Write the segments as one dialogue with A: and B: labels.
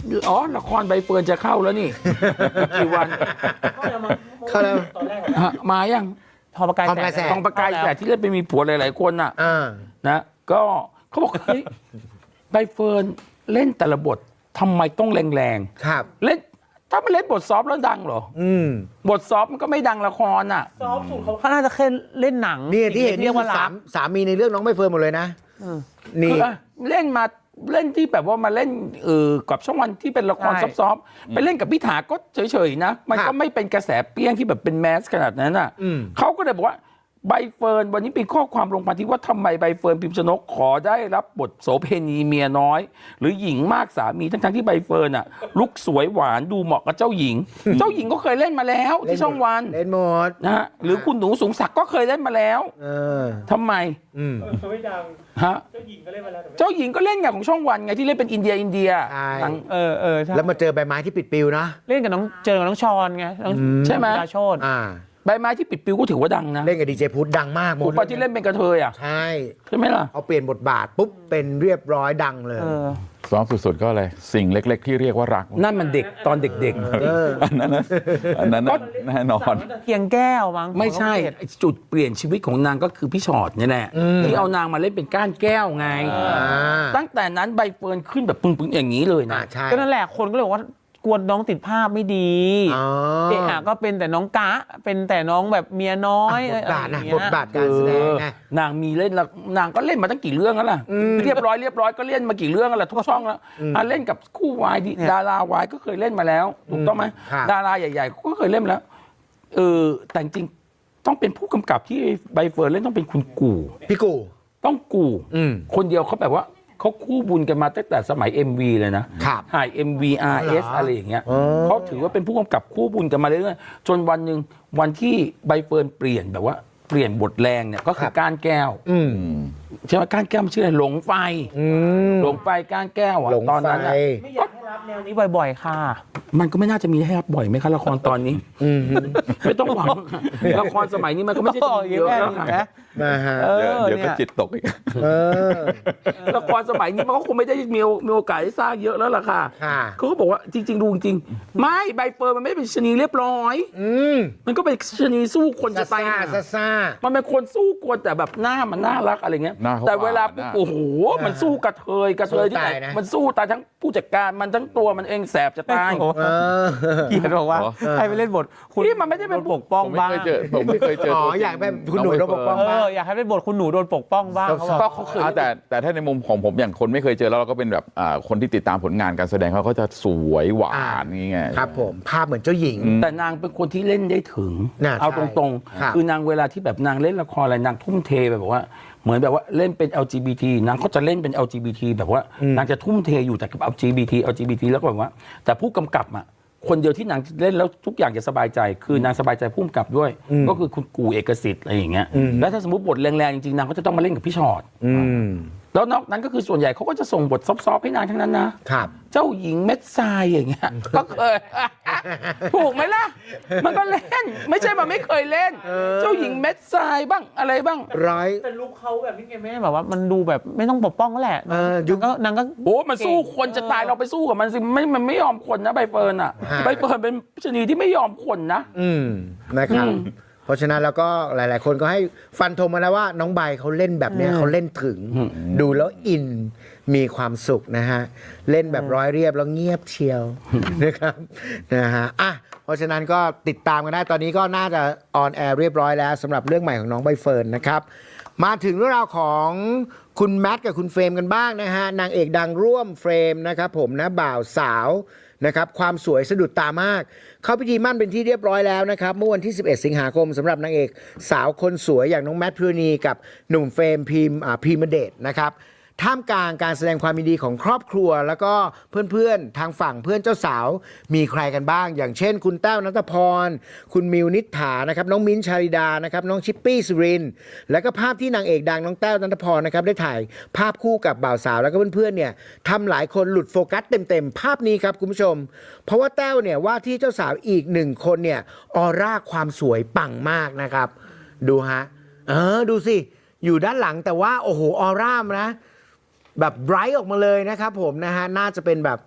A: อ๋อละครใบเฟิร์นจะเข้าแล้วนี่ กี่วัน
B: เข้าแล้ว
C: ตอนแรก
A: มายัง
C: ทอประกายแสง
A: ทองประกายแสงที่เล่นไปมีผัวหลายๆคนน่ะนะก็เขาบอกเฮ้ยใบเฟิร์นเล่นแต่ละบททำไมต้องแรงๆ
B: ครับ
A: เล่นถ้ามันเล่นบทซอฟต์แล้วดังเหรอบทซอฟต์มันก็ไม่ดังละครอ่ะ
C: ซอฟสุดเขาน่าจะแค่เล่นหนัง
B: นี่ที่เห็น
C: เรียกว่ารัก
B: สามีในเรื่องน้องใบเฟิร์นหมดเลยนะนี่
A: คือเล่นมาเล่นที่แบบว่ามาเล่นกับช่องวันที่เป็นละครซอฟต์ๆไปเล่นกับพี่ถาก็เฉยๆนะมันก็ไม่เป็นกระแสเปี้ยงที่แบบเป็นแมสขนาดนั้นอ่ะเขาก็เลยบอกว่าใบเฟิร์นวันนี้เป็นข้อความลงพันทิปว่าทำไมใบเฟิร์นพิมพ์ชนกขอได้รับบทโสเภณีเมียน้อย หรือหญิงมากสามีทั้งที่ใบเฟิร์นอ่ะลุกสวยหวานดูเหมาะกับเจ้าหญิง เจ้าหญิงก็เคยเล่นมาแล้วที่ช่องวัน
B: เล่นหมด
A: นะฮะหรือคุณหนูสูงศักดิ์ก็เคยเล่นมาแล้วทำไม
C: ไม่ดัง
A: ฮะ
C: เจ้าหญิงก็เล่นมาแล้ว
A: เจ้าหญิงก็เล่นอย่างของช่องวันไงที่เล่นเป็นอินเดีย
B: ใช่
C: ใช่
B: แล้วมาเจอใบไม้ที่ปิดปิวนะ
C: เล่นกับเจอกับน้องชอนไง
A: ใช่ไหม
C: ดาโชติ
A: ใบไม้ที่ปิดปิวก็ถือว่าดังนะ
B: เล่นกับดีเจพุทธดังมากหมด
A: ที่เล่นเป็นกระเทยอ่ะ
B: ใช่
A: ไหมล่ะ
B: เอาเปลี่ยนบทบาทปุ๊บเป็นเรียบร้อยดังเลย
D: ซ้อมสุดๆก็อะไรสิ่งเล็กๆที่เรียกว่ารัก
A: นั่นมันเด็กตอนเด็ก
D: ๆอันนั้นแน่นอน
C: เคียงแก้วมั้ง
A: ไม่ใช่จุดเปลี่ยนชีวิตของนางก็คือพี่ชอตนี่แหละที่เอานางมาเล่นเป็นก้านแก้วไงตั้งแต่นั้นใบเฟิร์นขึ้นแบบปึ้งๆอย่างนี้เลยนะ
C: ก็นั่นแหละคนก็เลยบอกว่ากลัวน้องติดภาพไม่ดีเอะก็เป็นแต่น้องกะเป็นแต่น้องแบบเมียน้อย
B: บทบาทการแสดง
A: นางมีเล่นแล้วนางก็เล่นมาตั้งกี่เรื่องแล้วล่ะเรียบร้อยก็เล่นมากี่เรื่องแล้วทุกช่องแล้วเล่นกับคู่วายดาราวายก็เคยเล่นมาแล้วถูกต้องไหมดาราใหญ่ๆก็เคยเล่นมาแล้วแต่จริงต้องเป็นผู้กำกับที่ใบเฟิร์นเล่นต้องเป็นคุณกู่
B: พี่กู่
A: ต้องกู่คนเดียวเขาแบบว่าเขาคู่บุญกันมาตั้งแต่สมัย MV เลยนะถ่าย MV RS อะไรอย่างเงี้ยเขาถือว่าเป็นผู้กำกับคู่บุญกันมาเรื่อยๆจนวันหนึ่งวันที่ใบเฟิร์นเปลี่ยนแบบว่าเปลี่ยนบทแรงเนี่ยก็คือก้านแก้วใช่ไหมก้านแก้วมันชื่ออะไรหลงไฟก้านแก้วอ่ะตอนนั้น
C: ไม่อยากให้รับแนวนี้บ่อยๆค่ะ
A: มันก็ไม่น่าจะมีให้รับบ่อยไหมคะละครตอนนี้ไม่ต้องหวังละครสมัยนี้มันก็ไม่ใช่เยอะแล้วค่ะ
D: เดี๋ยวก็จิตตกอีก
A: ละครสมัยนี้มันก็คงไม่ได้มีโอกาสได้สร้างเยอะแล้วล่ะค่ะเขาก็บอกว่าจริงๆดูจริงไม่ใบเฟิร์นมันไม่เป็นชนีเรียบร้อยมันก็เป็นชนีสู้คนจะตายมันเป็นคนสู้คนแต่แบบหน้ามันน่ารักอะไรเงี้ยแต่เวลาโอ้โหมันสู้กระเทยที่ไหนมันสู้ตายทั้งผู้จัดการมันทั้งตัวมันเองแสบจะตาย
C: เกียรติบอกว่าให้ไปเล่นบทคุณ
A: ที่มันไม่ได้เป็น
C: ปกป้องบ้าง
D: ผมไม่เคยเจอ
B: อยากเป็นคุณหนูโดนปกป้องบ้าง
C: อยากให้เป็นบทคุณหนูโดนปกป้องบ้าง
A: เขาเคย
D: แต่ถ้าในมุมของผมอย่างคนไม่เคยเจอแล้วเราก็เป็นแบบคนที่ติดตามผลงานการแสดงเขาก็จะสวยหวานนี่ไง
B: ครับผมภาพเหมือนเจ้าหญิง
A: แต่นางเป็นคนที่เล่นได้ถึงเอาตรงๆคือนางเวลาที่แบบนางเล่นละครอะไรนางทุ่มเทแบบว่าเหมือนแบบว่าเล่นเป็น LGBT นางก็จะเล่นเป็น LGBT แบบว่านางจะทุ่มเทอยู่แต่กับ LGBT แล้วก็แบบว่าแต่ผู้กำกับอ่ะคนเดียวที่นางเล่นแล้วทุกอย่างจะสบายใจคือนางสบายใจผู้กำกับด้วยก็คือคุณกู่เอกสิทธิ์อะไรอย่างเงี้ยแล้วถ้าสมมติบทแรงๆจริงๆนางก็จะต้องมาเล่นกับพี่ชอตแล้วนอกนั้นก็คือส่วนใหญ่เขาก็จะส่งบทซอฟๆให้นางทั้งนั้นนะครับเจ้าหญิงเม็ดทรายอย่างเงี้ยก็เคยถูกไหมล่ะมันก็เล่นไม่ใช่มันไม่เคยเล่นเจ้าหญิงเม็ดทรายบ้างอะไรบ้าง
C: แต่ลุคเขาแบบนี้ไงแม่แบบว่ามันดูแบบไม่ต้องปกป้องก็แหละนางก็
A: โอ้มันสู้คนจะตายเราไปสู้กับมันสิมันไม่ยอมคนนะใบเฟิร์นอ่ะใบเฟิร์นเป็นชนีที่ไม่ยอมคนนะ
B: นะครับเพราะฉะนั้นแล้วก็หลายๆคนก็ให้ฟันธงมาแล้วว่าน้องใบเขาเล่นแบบนี้เขาเล่นถึงดูแล้วอินมีความสุขนะฮะเล่นแบบร้อยเรียบแล้วเงียบเชียวนะครับนะฮะเพราะฉะนั้นก็ติดตามกันได้ตอนนี้ก็น่าจะออนแอร์เรียบร้อยแล้วสำหรับเรื่องใหม่ของน้องใบเฟิร์นนะครับมาถึงเรื่องราวของคุณแมทกับคุณเฟรมกันบ้างนะฮะนางเอกดังร่วมเฟรมนะครับผมนะบ่าวสาวนะครับความสวยสะดุดตามากเข้าพิธีมั่นเป็นที่เรียบร้อยแล้วนะครับเมื่อวันที่11สิงหาคมสำหรับนางเอกสาวคนสวยอย่างน้องแมทพิรณีกับหนุ่มเฟรมพีมเดชนะครับท่ามกลางการแสดงความยินดีของครอบครัวแล้วก็เพื่อนๆทางฝั่งเพื่อนเจ้าสาวมีใครกันบ้างอย่างเช่นคุณแต้วณัฐพรคุณมิวนิษฐานะครับน้องมิ้นท์ชาลิดานะครับน้องชิปปี้สุรินทร์แล้วก็ภาพที่นางเอกดังน้องแต้วณัฐพรนะครับได้ถ่ายภาพคู่กับบ่าวสาวแล้วก็เพื่อนๆเนี่ยทำหลายคนหลุดโฟกัสเต็มๆภาพนี้ครับคุณผู้ชมเพราะว่าแต้วเนี่ยว่าที่เจ้าสาวอีกหนึ่งคนเนี่ยออร่าความสวยปังมากนะครับดูฮะดูสิอยู่ด้านหลังแต่ว่าโอ้โหออร่านะแบบไบรท์ออกมาเลยนะครับผมนะฮะน่าจะเป็นแบบ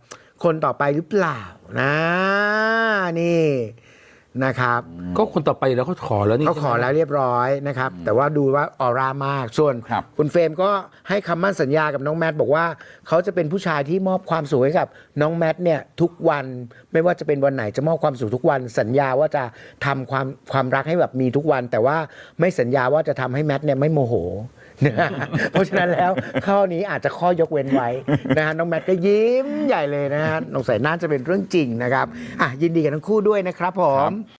B: คนต่อไปหรือเปล่านะนี่นะครับ
A: ก็คนต่อไปแล้วเขาขอแล้วนี่
B: เขาขอแล้วเรียบร้อยนะครับแต่ว่าดูว่าออร่ามากส่วน
D: ครับ
B: คุณเฟรมก็ให้คำมั่นสัญญากับน้องแมทบอกว่าเขาจะเป็นผู้ชายที่มอบความสุขให้กับน้องแมทเนี่ยทุกวันไม่ว่าจะเป็นวันไหนจะมอบความสุขทุกวันสัญญาว่าจะทำความรักให้แบบมีทุกวัน แต่ว่าไม่สัญญาว่าจะทำให้แมทเนี่ยไม่โมโหนะฮะเพราะฉะนั้นแล้วข้อนี้อาจจะข้อยกเว้นไว้นะฮะน้องแมทก็ยิ้มใหญ่เลยนะฮะสงสัยน่าจะเป็นเรื่องจริงนะครับอ่ะยินดีกับทั้งคู่ด้วยนะครับผม